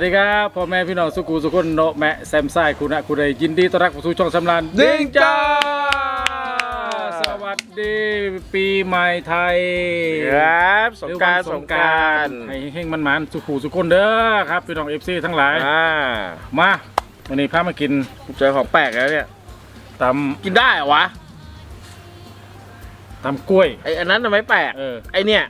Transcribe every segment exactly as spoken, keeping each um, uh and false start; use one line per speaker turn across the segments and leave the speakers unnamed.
ดีครับพ่อแม่พี่น้องสุกูสุคนโนแม่แซมไซคุณะคุณใดยินดีต้อนรับเข้าสู่ช่องสำรานดิ้งจ้าสวัสดีปีใหม่ไทย
ครับสงกรานต์สงกรานต์
ให้เฮงมันหมานสุกูสุคนเด้อครับพี่น้องเอฟซีทั้งหลายมาวันนี้พามากิน
เจอของแปลกแล้วเนี่ย
ตำ
กินได้เหรอวะ
ตำกล้วย
ไออันนั้นทำไมแปลก
เออ
ไอเนี่ย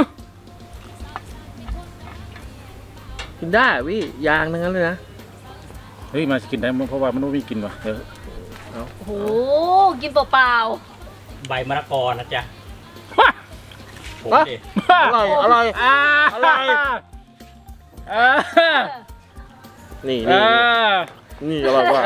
กินได้พี่ยางทั้งนั้นเลยนะ
เฮ้ยมากินได้เพราะว่ามันไม่มีกินว่ะเดี๋ยว
โอ้โหกินเปล่า
ใบมะละกอนะจ๊ะผมดิ
อร่อยอร่อยอร่อยนี่นี่นี่อร่อยว่ะ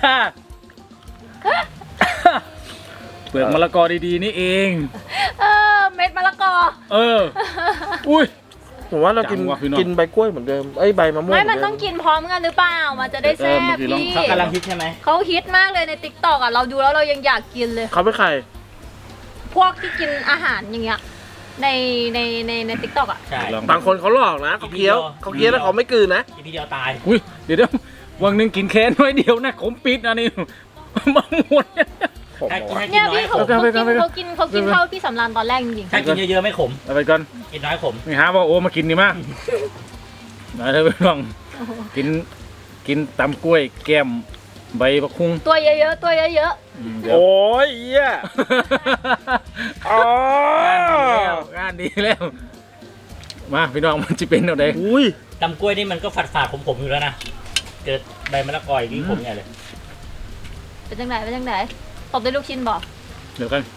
เปลือกมะละกอดีๆนี่เอง
เออเม็ดมะละกอ
เอออุ้ย
ผมว่าเรากินกินใบกล้วยเหมือนเดิมไอ้ใบมะม่วง
ไม่มันต้องกินพร้อมกันหรือเปล่ามันจะได้แซ่บพี่
เขากำลังฮิตใช่ไหม
เขาฮิตมากเลยในติ๊กต็อกอ่ะเราดูแล้วเรายังอยากกินเลย
เขาเป็นใคร
พวกที่กินอาหารอย่างเงี้ยในในในในติ๊กต็อกอ่ะ
ใช่
บางคนเขาหลอกนะเขาเคี้ยวเขาเคี้ยวแล้วเขาไม่กลืนนะ
ทีเดียวตาย
อุ้ยเดี๋ยวเดี๋ยววันหนึ่งกินแค่น้อยเดียวนะขมปิดอันนี้มาหมด
เนี่ยพี่เขาเขากินเขากินเขากินเท่าพี่สำรานตอนแรกจริง
ๆถ้ากินเยอะๆไม่ขม
เอาไปก่อน
กินน้อยขม
นี่ฮะว่าโอ้มากินนี่มากนะเธอไปลองกินกินตำกล้วยแก้มใบบักคุ้ง
ตัวเยอะๆตัวเยอะ
ๆโอ้ยเหี้ยอ๋
องานดีแล้วมาพี่น้องมันจะเป็นอะไร
อุ้ย
ตำกล้วยนี่มันก็ฝาดฝาดขมๆอยู่แล้วนะเกิดใบมะละกอยิ่งขมใหญ่เลย
เป็นจังไหนเป็นจังไหนตบด้วยลูกชิ้นบอก
เดี๋ยวกัน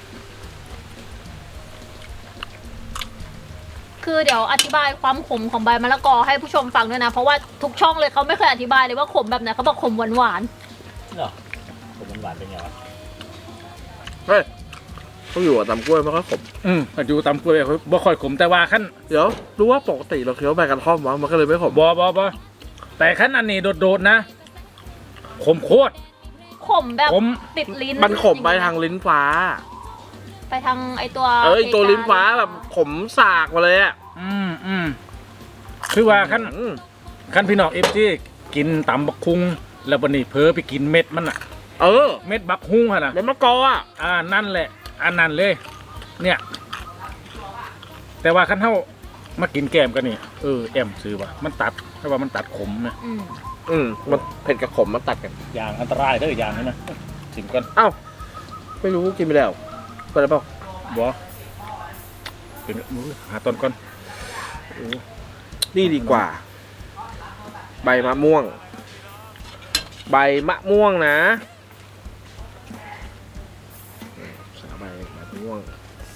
คือเดี๋ยวอธิบายความขมของใบมะละกอให้ผู้ชมฟังด้วยนะเพราะว่าทุกช่องเลยเขาไม่เคยอธิบายเลยว่าขมแบบไหนเขาบอกขมหวานหวาน
เหรอขมหวานเป็นไงวะ
เฮ้ยเขาอยู่กับตำกล้วยไม่ค่อยขม
อืมอยู่ตำกล้วยบ่ค่อยขมแต่ว่าขั้น
เดี๋ยวรู้ว่าปกติเราเคี้ยวใบกระท่อมวะมันก็เลยไม่ขม
บ่บ่บ่แต่ขั้นอันนี้โดดๆนะขมโคตร
ขมแบบติดลิ้น
มันขมไปทางลิ้นฟ้า
ไปทางไอตัว
เอ้ยตัวลิ้นฟ้าแบบขมสากมาเลยอ่ะ
อืมอืมคือว่าขั้นขั้นพี่น้องเอฟซีกินตำบักคุ้งแล้ววันนี้เพ้อไปกินเม็ดมันอ่ะ
เออ
เม็ดบักฮุ้งนะ
เม็ดมะกออ่ะ
อ่านั่นแหละอันนั้นเลยเนี่ยแต่ว่าขั้นเท่ามากินแกมกันนี่เออแอมซื้อว่ะมันตัดเพราะว่ามันตัดขมนะ
อืมอืมมันเผ็ดกับขมมันตัดกัน
อย่างอันตรายเด้ออย่างนี้นะชิมกัน
เอ้าไม่รู้กินไปแล้วไปแล้วเปล่า
บ่เป็นหาต้นก่อน
นี่ดีกว่าใบมะม่วงใบมะม่วงนะใส่ใบมะม่วง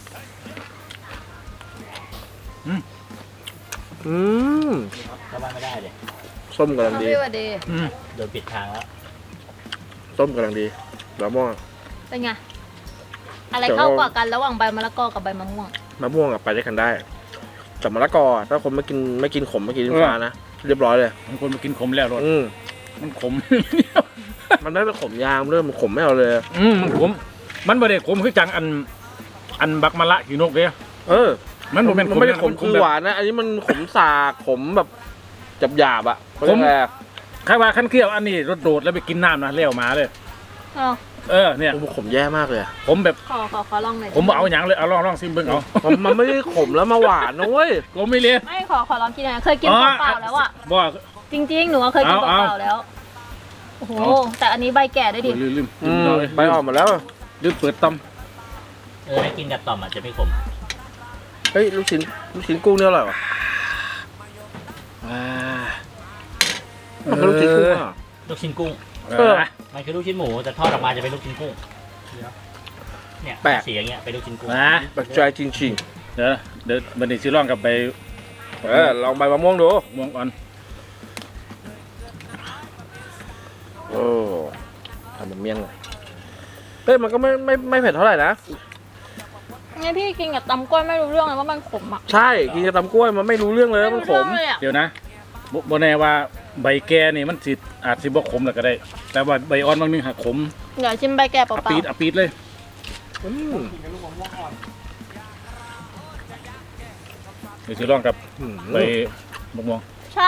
อืมอืม
เข้าบ้านไม่ได้เลย
ส้มกำลังดี
โดนปิดทางแล้ว
ส้มกำลังดีมะม่วง
เป็นไงอะไรเข้ากว่ากันระหว่างใบมะละกอกับใบมะม่วง
มะม่วงอะไปด้วยกันได้แต่มะละกอถ้าคนไม่กินไม่กินขมไม่กินฟ้านะเรียบร้อยเลย
บางคนมากินขมแล้วรสมันขม
มันไม่เป็นขมยางเริ่มมันขมไม่เอาเลย
อืมมันขมมันไม่ได้ขมคือจังอันอันบักมะละขีนกเลย
เออ
มันมัน
ไม่ได้ขมคือหวานนะอันนี้มันขมสาขมแบบจับหยาบอะ
ขมใครว่าขั้นเคี้ยวอันนี้รสโดดแล้วไปกินน้ำนะเลี้ยวมาเลยเออเนี่ย
ขมแย่มากเลย
ผมแบบ
ขอขอขอลองหน่อย
ผมเอาอย่างเลยเอาลองลองซิมเบิ้งเอา
มันไม่ได้ขมแล้วมาหวานนะเว้ย
ผมไม่เลี้ย
ไม่ขอขอลองกินหน่อยเคยกินเปล่าแล้วอ่ะ
บ่
จริงๆหนูเคยกินเปล่าแล้วโอ้โหแต่อันนี้ใบแก่ได้ดิ
ลืมลืม
ใบอ่อนหมดแล้ว
ลืมเปิดต้ม
เออให้กินกับต่อมอาจจะไม่ขม
เฮ้ยลูกชิ้นลูกชิ้นกุ้งเนี่ยอร่อยวะมันคือลูกชิ้นกุ้งอ่ะ
ลูกชิ้นกุ้ง
เออ
มันคือลูกชิ้นหมูแต่ทอดออกมาจะเป็นลูกชิ้นกุ้งเนี่ยแปะสีอย่างเงี้ยเป็นลูกชิ้นกุ้ง
นะ
แปลกใจจริง
ๆเดี๋ยวเดี๋ยวบันนี้ซื้อลองกับใบ
เออลองใบมะม่วงดู
ม่วงอ่อน
โอ้ทำเป็นเมี่ยงเลยเฮ้ยมันก็ไม่ไม่ไม่เผ็ดเท่าไหร่นะ
งั้นพี่กินกับตำกล้วยไม่รู้เรื่องเลยว่ามันขมอ่ะ
ใช่กินกับตำกล้วยมันไม่รู้เรื่องเลยมันขม
เดี๋ยวนะโบแน่ว่าใบแก่นี่มันสิอาจสิบ่ขมแล้วก็ได้แต่ว่าใบอ่อนบางนึงหักขม
เดี๋ยวชิมใบแก่เปล่าๆ
ปีดอปีดเลยเดี๋ยวซื้อลองกับใบมะม่วง
ใช่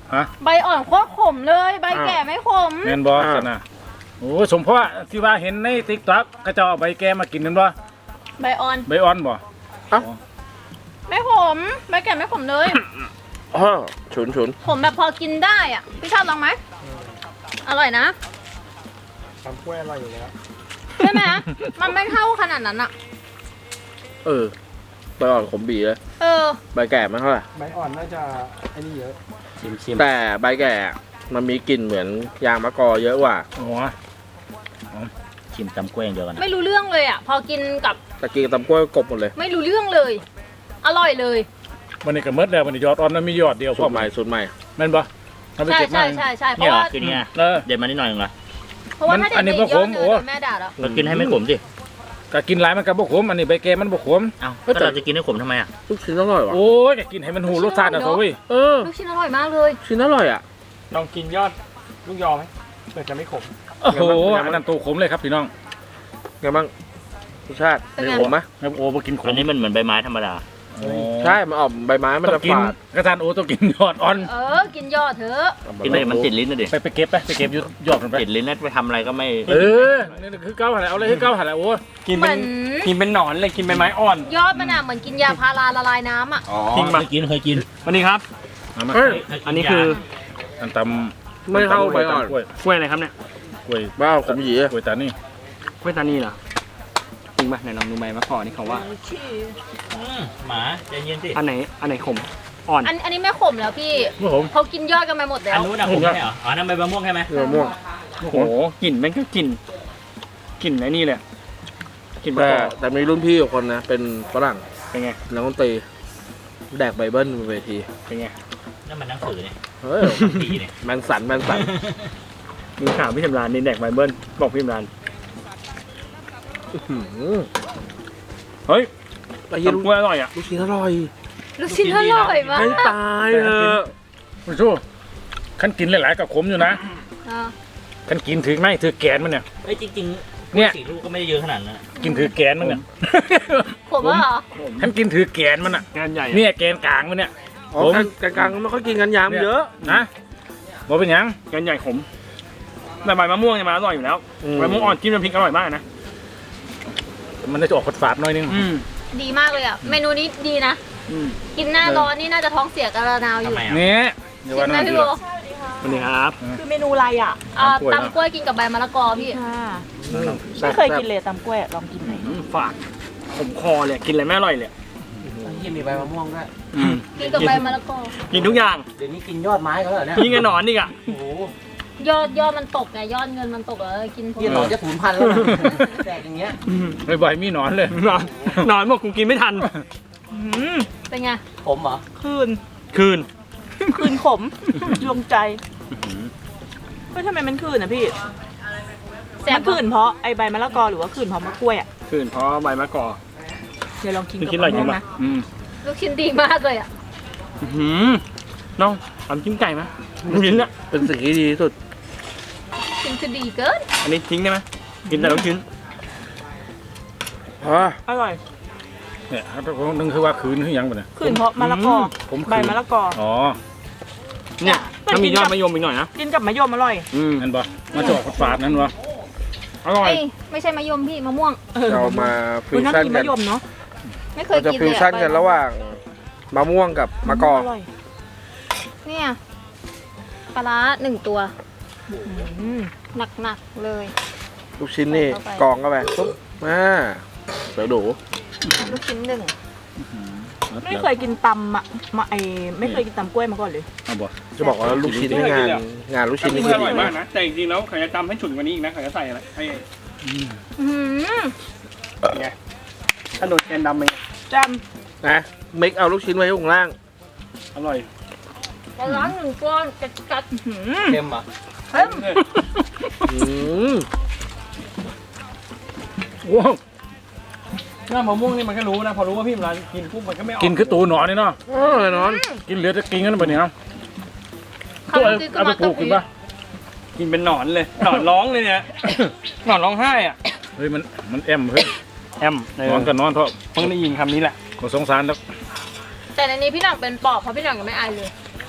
ฮะ
ใบอ่อนโคตรขมเลยใบแก่ไม่ขม
แม่นบ่สนะโอ้สมเพราะที่ว่าเห็นใน TikTok เขาเจ้าเอาใบแก่มากินนั่นบ่
ใบอ่อน
ใบอ่อนบ่
ไม่ขมใบแก่ไม่ขมเลย
อ๋อฉุนฉุน
ขมแบบพอกินได้อ่ะพี่ชอบลองไหมอร่อยนะ
ตำกล้วยอร่อยอยู่แล้ว
ใช่ไหมมันไม่เท่าขนาดนั้นอ่ะ
เออใบอ่อนขมบีเลย
เออ
ใบแก่ไม่เท่าไหร่
ใบอ่อนน่าจะไอ้นี่เยอะ
ชิมชิม
แต่ใบแก่มันมีกลิ่นเหมือนยางมะกอเยอะกว่า
โอ้
ชิมตำกล้วยอย่างเดียวกันนะ
ไม่รู้เรื่องเลยอ่ะ พอกินกับ
ตะกี้ตำกล้วยกบหมดเลย
ไม่รู้เรื่องเลย อร่อยเลย
วันนี้ก็หมดแล้ววันนี้ยอดอ่อนมันมียอดเดียวพ
สู
อ
ตรใหม่สูตรใหม่
แม่นบ่เอาไป
ใช่
เก็บมา
ใช่ใช่ใช่เพ
นี่
ราะ
เหรอ
ว่า
คือนี่ไง
เออ
เด็ดมานิดหน่อยเองเหรอ
เพราะว่าถ้า
อั
เด็
น
ก
นี้
ไม่
บ่
เย
ข
อะ
ม
เน
โอ้
อะแม่ด่าแล้ว
เรากินให้ไม่ขมสิ
ก็กินหลายมันก็บ่ขมอันนี้ใบแก่มันบ่ขม
เอ้าก็เราจะกินให้ขมทำไมอ่ะ
ลูกชิ้นอร่อยว่ะ
โอ้ยก็กินให้มันหูรสชาติอ่ะเถอะเว้ย
เออ
ลูกชิ้นอร่อยมากเลย
ชิ้นอร่อยอ่ะ
ลองกินยอดลูกยอไหมเผื่อจะไม่ขม
โอ้โหอันนั้นตัวขมเลยครับพี่น้อง
ไงบ้างรสชาติมีขมไหม
ครับโอ้บ่กินข
อั
ม
นนี้มันเหมือนใบไม้ธรรมดา
โอ้
ใช่มันออกใบไม้มัน
ต้
จะ
องกิน
ฝาด
กระทานโอ้ต้องกินยอดอ่อน
เออ กินยอดเถอะ
กินไปมันติดลิ้นนะดิ
ไปไปเก็บไปไปเก็บยอดยอดมันไป
ติดลิ้นแล้วไปทำอะไรก็ไม่
เออนี่คือเก้าหันเอาเลยให้เก้าหันโอ้
กิน
เหมื
เป็
อน น
กินเป็นหนอนเลยกินเป็นไม้อ่อน
ยอดมันอ่ะเหมือนกินยาพาราละลายน้ำอ่ะ
อ๋อ
จริงปะ
เคยกินเคยกิน
วันนี้ครับ
เอามา
เฮ้ย
อันนี้คือ
อันต
ไม่เท่าใบอ่อน
กล้วย
กล้วยอะไรครับเนี่ย
กล้วย
บ้าขมหยี
กล้วยตานี่
กล้วยตานีเหรอจริงปะไหนลองดูใบมะกอกนี่เขาว่า
อืมหมาใจเย็นสิ
อันไหนอันไหนขมอ่อน
อันอันนี้ไม่ขมแล้วพี่
ครับผม
เขากินยอดกันไปหมดแล้
อัน
ว
นู้นอะผมใช่เหรออ๋อนั่นใบมะม่วงใช่ไหม
มะม่วง
โอ้โหกลิ่นแม่งก็กลิ่นกลิ่นไอ้นี่เลยกลิ่นมะ
แต่
กอก
แต่มีรุ่นพี่อยู่คนนะ เป็นฝรั่ง
เป็นไง
นักดนตรีแดกไบเบิลบนเวที
เป็นไง
นั่นมันหนังสือเนี่ย
เฮ้ย
ผีเนี่ย
แมนสันแมนสัน
มีข่าวพี่สำรานนี่แดกไบเบิลบอกพี่สำราน
อื้อหือ
เฮ้ย
ไอ้เหี้ย
ตำ
ลู
ก
ก
ล้วยอร่อยอ่ะ
ลูกชิ้นอร่อย
ลูกชิ้นอร่อยมาก
ให้ตายเถอะ
คุณชูขันกินหลายๆกับขมอยู่นะ
อ่า
ขันกินถือไม่ถือแกนมันเนี่ย
เฮ้ยจริงๆ
เนี่ย
สี่ลูกก็ไม่ได้เยอะขนาดนั้น
กินถือแกนมันเนี่ย
ผมว่าเหรอ
ขันกินถือแกนมันอ่ะ
งานใหญ่
เนี่ยแกนกลางมันเนี่ย
อ๋อ
ผม
กลางกลางๆไม่ค่อยกินกันยามเยอะ
นะบอกเป็นหยัง
งานใหญ่ขมแต่ใบมะม่วงเนี่ยมันอร่อยอยู่แล้ว
อืม
ใบมะม่วงอ่อนจิ้มน้ำพริกอร่อยมากนะ
มันจะออกฝาดๆหน่อยนึง
อืม
ดีมากเลยอ่ะ เมนูนี้ดีนะ
อืม
กินหน้าร้อนนี่น่าจะท้องเสียกระนาวอ
ทำ
ยู่
ไมอ่ะ
เนี่ยเดี๋ยว
กิ
วัน
นไหม
นั้น
พี่
ดี
โบ
ละ
สวัสดีครับ
คือเมนูอะไรอ่ะ
อ่า
ตำกล้วย
ตำกล้วยกินกับใบมะละกอพี่
ค่ะ
อืม
ไม่เคยกินเลยตำกล้วยอะลองกินหน่อย
อืมฝาดขมคอเลยกินอะไรไม่อร่อยเลย
ที่มีใบมะม่วงด้วย
อืม
กินกับใบมะละกอ
กินทุกอย่าง
เดี๋ยวนี้กินยอดไม้เขาเหรอเนี่ย
ยิ่งไงหนอนอีกอ่ะ
โอ้โห
ยอดยอดมันตกไงยอดเงินมันตกแล้วกินพวก
เยี่ยหนอนจะสูญพันธุ์แล้วนะแดกอย่างเงี้ย
ไม่บ่อยมีหนอนเลย
หนอนหนอนบอกกูกินไม่ทัน
อืม
เป็นไง
ผมเหรอ
คืน
คืน
คืนขมดวงใจเฮ้ยทำไมมันคืนอ่ะพี่
แซ่
มั
บ
นคืนเพราะไอใบมะละกอหรือว่าคืนเพราะมะกล้วยอ่ะ
คืนเพราะใบมะกอก
เดี๋ยวลองกิน
พี่
กับ
คิดอะไร
มะ
จริ
ม่ว
ง
ง
ปะ
นะ
อืม
ลูกชิ้นดีมากเลยอ่ะ
อื้อหือน้องทำจิ้มไก่ไหมกินละ
เป็นสิ่งที่ดีที่สุด
ชิ้นคือดีเกิน
อันนี้ทิ้งได้ไหมกินแต่ลูกชิ้น
อ๋อ
อร่อย
เนี่ยครับนึงคือว่าคืนคือหยังปะเนี่ย
คืนเพราะมะละกอ
ผมคืน
ใบมะละกอ
อ๋อ
เนี่ยถ้ามียอดมะยมอีกหน่อยนะ
กินกับมะยมอร่อย
อืม
นั่นปะมาจะออกฝาดๆนั่นวะ
อร่อย
เอ้ยไม่ใช่มะยมพี่มะม่วง
เรามาฟิ
คุณ
ว
น่า
ชั่น
กิน
กั
มะ
น
ยมเนาะ
ไม่เค
เรา
ย
จะ
กิน
ฟิ
เล
วย ชั่นกันระหว่างมะม่วงกับมะกอก
อร่อย
เนี่ยปลาร้าหนึ่งตัว
อืม
หนักๆเลย
ลูกชิ้นนี่
ใส่เข้าไป
กองเข้าไปปุ๊บมาเดี๋ยวดู
ลูกชิ้นหนึ่ง
ไม่เคยกินตำอะมาไอไม่เคยกินตำกล้วยมาก่อนเลย
เอาบ่
จะบอกว่าลูกชิ้นนี่งานงานลูกชิ้นนี่
อ
คือ
ร่
ดี
อยมาก
นะ
นะ แต่จริงๆแล้วเขาจะตำให้ฉุนกว่านี้อีกนะเขาจะใส่อะไรให้
อื้อหือ
ไงถ้าโดดแกนดำไป
จ
นะเมคเอาลูกชิ้นไว้ข้างล่าง
อร่อย
ปลาร้าหนึ่งก้อนกัด
ำอื้อหือ
เค็มเหรอ่ะ
ๆเฮ้ย
อืม
ว้าว
หน้ามะม่วงนี่มันก็รู้นะ พอรู้ว่าพี่เวลากินปุ๊บมันก็ไม่ออก
กินคือตูหนอนนี่เนาะ
อร่อยนอน
กินเหลือจะกินกันปะเนี่ย
คำ
ตัว
คือ
เอาไปปลูกกินปะ
กินเป็นหนอนเลย หนอนร้องเลยเนี่ย หนอนร้องไห้อ่ะ
เฮ้ยมันมันแอมเฮ้ย
แอมเออน
อนกันนอนเถอะ
เพิ่งได้ยินคำนี้แหละ
ขอสงสารแล้ว
แต่ในนี้พี่หลังเป็นปอบเพราะพี่หลังยังไม่อายเลย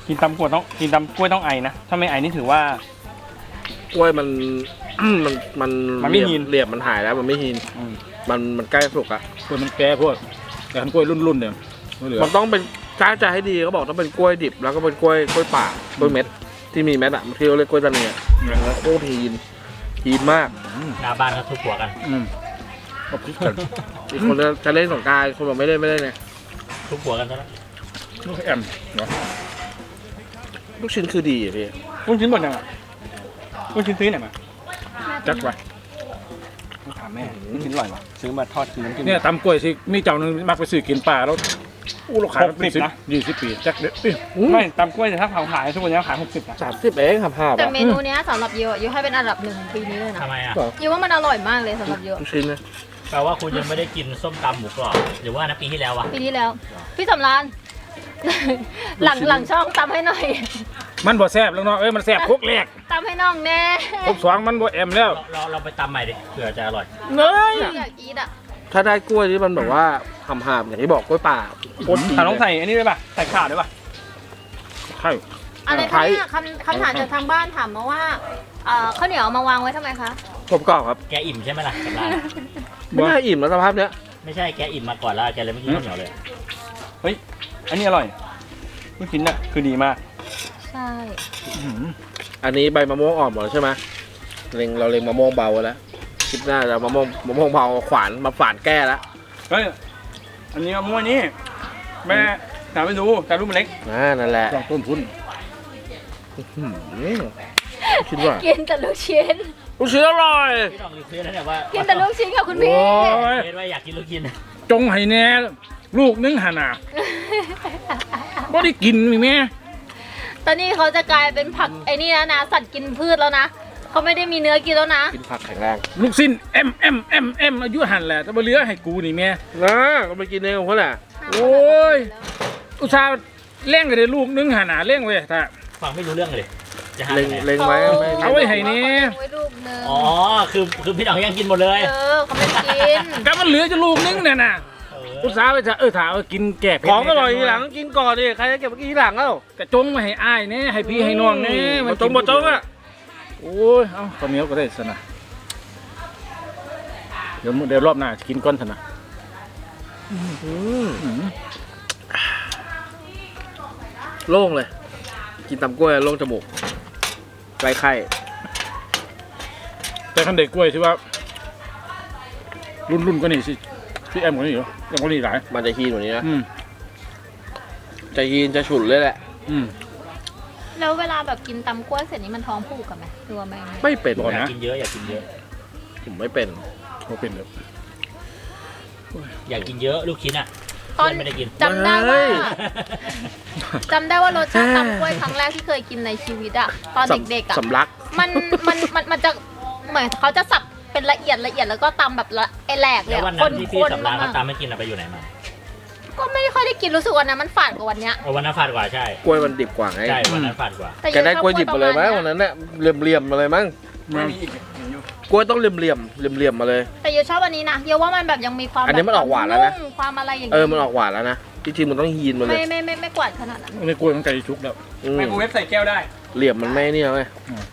กินตำกล้วยต้องกินตำกล้วยต้องไอนะถ้าไม่ไอนี่ถือว่าก
ล้วยมัน มันมัน
มันไม่หิน
เหลี่ยมมันหายแล้วมันไม่หิน
อืม
มันมันใกล้สุกอะ
กล้วยมันแก่พวกแต่ทำกล้วยรุ่นๆเนี่ยไม่เหลือ
มันต้องเป็นถ้าจะให้ดีเขาบอกต้องเป็นกล้วยดิบแล้วก็เป็นกล้วยกล้วยป่ากล้วยเม็ดที่มีเม็ดอะมันที่เขาเรียกกล้วยตาเนียโคตรหินหินมาก
หน้าบ้านเขาทุบหัวกัน
อืมเอาพริกกัน
อีกคนจะเล่นสงกรานต์คนบอกไม่เล่นไม่เล่นไง
ทุบหัวกันซะแล้ว
ลูกแอมเหรอ
ลูกชิ้นคือดีอะพี่
ลูกชิ้นหมดยังอ่ะลูกชิ้นซื้อไหนมา
จักไป
ต้องถามแม่ลูกชิ้นอร่อยปะซื้อมาทอดกินน้ำจิ้ม
เนี่ยตำกล้วยสิมีเจ้าหนึงมักไปซื้อกินป่าแล้วอู้เราขายมาเป็น
หกสิบนะ
ยี่สิบปีจักเด็ดดิ
ไม่ตำกล้วยแต่ถ้าเผาขายทุกวันนี้ขายหกสิบนะ
สามสิบเองครับห้า
แต่
บาท
เมนูเนี้ยสำหรับเยอะยูให้เป็นอันดับหนึ่งของปีนี้เลยนะ
ทำไมอ่ะ
ยูว่ามันอร่อยมากเลยสำหรับเยอะ
ลูกชิ้นนะ
แปลว่าคุณยังไม่ได้กินส้มตำหมูกรอบหรือว่านะปีที่แล้ววะ
ปีที่แล้ว พี่สำราน หลังหลังช่องตำให้หน่อย
มันบ่แซ่บแล้วเนาะเอ้ยมันแซ่บคุกแรก
ตำให้น้องแน่
คุกสองมันบ่แอมแล้ว
เราเราเราไปตำใหม่ดิเผื่อจะอร่อย
เฮ้ย
อยากอีทอ่ะ
ถ้าได้กล้วยที่มันแบบว่าหำหามอย่างที่บอกกล้วยป่าโคตรดี
ถามต้อง
เลย
ใส่อันนี้ด้วยป่ะใส่ข่าด้วยป่ะ
ใช่
อะไรคะเนี่ยคำคำถามจากทางบ้านถามมาว่าเอ่อข้าวเหนียวเอามาวางไว้ทำไมคะ
ผมกรอบครับ
แกอิ่มใช่ไหมล่ะกับร้าน
ไม่น่าอิ่มแล้วสภาพเนี้ย
ไม่ใช่แกอิ่มมาก่อนแล้วแกเลยไม่กินข้าวเหนียวเลย
เฮ้ยอันนี้อร่อยลูกชิ้นน่ะคือดีมาก
ใช่
อันนี้ใบมะม่วงอ่อนหมดแล้วใช่ไหมเล็งเราเล็งมะม่วงเบาไว้แล้วคลิปหน้าจะมะม่วงมะม่วงเบาขวานมาฝานแก้แล้ว
เฮ้ยอันนี้มะม่วงนี่แม่ถามไปดูแต่ลูกมันเล็ก
อ่านั่นแหละ
ต้องต้นทุน
อืมคิดว่า
กินแต่ลูกชิ้น
ลูกชิ้นอร่อย
พี่น้องรีเควสแล้วเนี่ยว่า
กินแต่ลูกชิ้นค่ะคุณพี่
โอ้ย
เรียกว่าอยากกินลูกชิ้น
จงให้แน่ลูกนึงหาหนาบ่ได้กินมีแม่
ตอนนี้เขาจะกลายเป็นผักไอ้นี่แล้วนะสัตว์กินพืชแล้วนะเขาไม่ได้มีเนื้อกินแล้วนะ
กินผักแข็งแรง
ลูกสิ้นเอ็มเอ็มเอ็มเอ็มอายุหันแหละแต่บ่เหลือให้กูนี่แม่
นะก็ไปกินเองของเขาแหละ
โอ้ย อุตส่าห์เลี้ยงกันได้ลูกนึงหาหนาเลี้ยงไว้ถ้า
ฟังไม่รู้เรื่องเลยจะหา
เล็ง
ที่ไหน
เล็งไว้ไม่
เอาไว้ให้นี่
ไว้ลูกนึง
อ๋อคือคือพี่น้องยังกินหมดเลย
เออเขาไม่กิน
ก็มันเหลือจะลูกนึงเนี่ยน่ะ
เออ
อุตส่าห์ไปจะเออถาเอากินแก่เผ็ด
ของอร่อยทีหลังกินก่อนดิใครจะเก็บไว้กินทีหลังเอ้าก
ระจงมาให้อ้ายเนี่ยให้พี่ให้น้องเนี่ย
มาจงมาจงอ่ะ
โอ้ยเอาข้าวเหนียวก็ได้สนะเดี๋ยวเดี๋ยวรอบหน้าจะกินก้อนเถอะนะ
อืมโล่งเลย กินตำกล้วยโล่งจมูกไร้ไข้
แต่คันเด็กกล้วยที่ว่า รุ่นรุ่นก็นี่สิพี่แอมก็นี่เหรอยังก็นี่หลาย
มันจะฮีนกว่านี้นะ
อืม
จะฮีนจะฉุนเลยแหละ
อืม
แล้วเวลาแบบกินตำกล้วยเสร็จนี้มันท้องผูกกันไหมหรือว่าไม่
ไม่เป็น
บอก
อยาก
นะ
กินเยอะอยากกินเยอะ
ผมไม่เป็น
โอเป็นเลย
อยากกินเยอะลูกชิ้นอ่ะ
ตอน
ไม่ได้กิน
จำได้ว่า
เฮ้ย
จำได้ว่ารสชาติตำกล้วยครั้งแรกที่เคยกินในชีวิตอะตอนเด็กๆอะ
สำลัก
มันมันมันมันจะเหมือนเขาจะสับเป็นละเอียดละเอียดแล้วก็ตำแบบละไอแหลกเล
แล้
ยว
วัน
ค
นั้น
น
ที่พี่
คน
สำราน
มา
เขา
ก
ตามไม่กินอะไปอยู่ไหนมา
ก็ไม่ค่อยได้กินรู้สึกวันนั้นมันฝาดกว่าวันเนี้ย
เออวันนั้นฝาดกว่าใช่
กล้วยมันดิบกว่าไง
ใช่วันนั้นฝาดกว่า
แต่
แกได้กล้วยดิบมาเลยไหม
ชอบ
วันนั้นเนี่ยเหลี่ยมๆมาเลยมั้ง
ไม่มีอีกเห็นอยู่
กล้วยต้องเหลี่ยมๆเหลี่ยมๆมาเลย
แต่ยูชอบอันนี้นะยูว่ามันแบบยังมีความ
อันนี้มันออกหวานแล้วนะ
มความอะไรอย่าง
เออมันออกหวานแล้วนะจริงๆมันต้องฮีนมาเล
ไม่
ย
ไม่ไม่ไม่กวาดขนาดนั้น
อันนี้กล้วยมันไก่ชุกแล้ว
อืม
ไมโครเวฟใส่แก้วได้
เหลี่ยมมันไม่เนี่ยเว้ย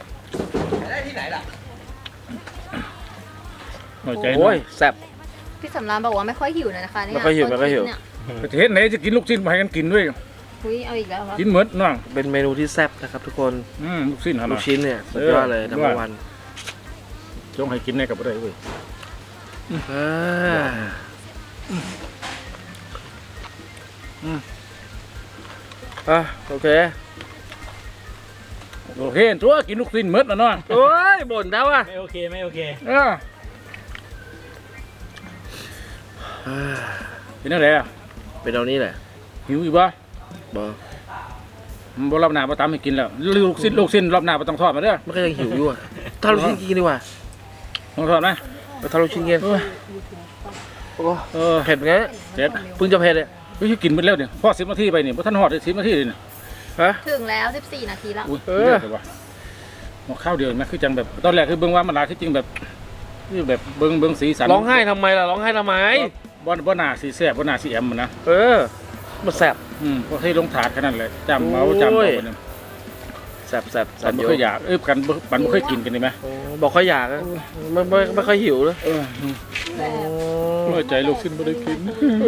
หน่อยใจหน่
โอ้
อย
ยแซ่บ
พี่สำรานบอกว่าไม่ค่อยหิวเลยนะคะเนี่ย
ไม่ค่อยหิวไม่ค่อยหิว
เนี่ย
ประเทศไหนจะกินลูกชิ้นมาให้กันกินด้วย
อุ้ยเอาอีกแล้วเหรอ
กินเหมือนน้อง
เป็นเมนูที่แซ่บนะครับทุกคน
อืมลูกชิ้นหาห
ลู
น่อก ย
ชิ้นเนี่ยสุดยอดเลย
เออ
ทั้งวัน
จงให้กินได้กับอะไรเว้ย
อ่าอ่ะโอเค
โอเคตัวกินลูกชิ้นเหมือนนะน้อง
โอ้ยบ่นแล้วอ่ะ
ไม่โอเคไม่โอเค
เออเป็นอะไรอ่ะ
เป็นเอานี้แหละ
หิวอีกบ่
บอ
มันบ่รอบหน้าบ่ตามให้กินแล้วลูกชิ้นลูกชิ้นรอบหน้าบ่ต้องทอดมาเด้อ
ไม่ก็ยังหิวอยู่อ่ะถ้าลูกชิ้นกินดีกว่า
ต้องทอดนะ
เอาถ้าลูกชิ้นกิน
เออ
โอ้
เออ
เผ็ดไง
เจ็ด
เพิ่งจะเผ็ดเลย
เฮ้ยกินไปแล้วเนี่ยพอสิบนาทีไปเนี่ยบ่ทันฮอดได้สิบนาทีเลยเนี่ย
ฮะ
ถึงแล้วสิบสี่นาทีแล้ว
อุ้ย
เออ
เยอะแต่ว่าหมอข้าวเดียวนะคือจังแบบตอนแรกคือเบิ่งว่ามันหลายที่จริงแบบคือแบบเบิ่งเบิ่งสีสัน
ร้องไห้ทำไมล่ะร้องไห้ทำไม
บ่บ่น่าสีแซ่บบ่น่าสีแอมมันนะ
เออมันแซ่บ
อืมพวกที่ลงถาดขนาดเลยจำเอาจำเอาไปเนี่ย
แซ่บแซ่บ
ปั
แซ่
น
บ
ไม่
เย
ค่อย
อะ
อยากเอ้ยกันบ่ปันไม่ค่อยกินกันเลยไหม
โอ้บอกค่อยอยากอะไม่ไม่ไม่ค่อยหิวเลย
เออเมื่อใจลูกสิ้นไม่ได้กิน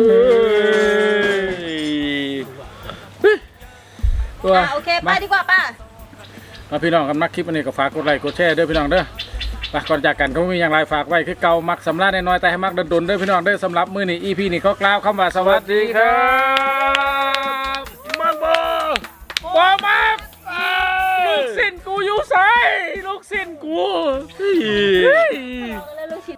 ตัว
อ่ะโอเคไปดีกว่าป้า
มาพี่น้องกันมักคลิปอันนี้ก็ฝากกดไลค์กดแชร์เด้อพี่น้องเด้อไปก่อนจากกันก็ไม่มีอย่างไรฝากไว้คือเก่ามักสำราญน้อยๆแต่ให้มักดนๆเด้อพี่น้องเด้อสำหรับมื้อนี้ อี พี นี้ก็กล่าวคำว่าสวัสดีครับมักบ่บ่มักลูกสิ้นกูอยู่ไสลูกสิ้นกูเฮ้ย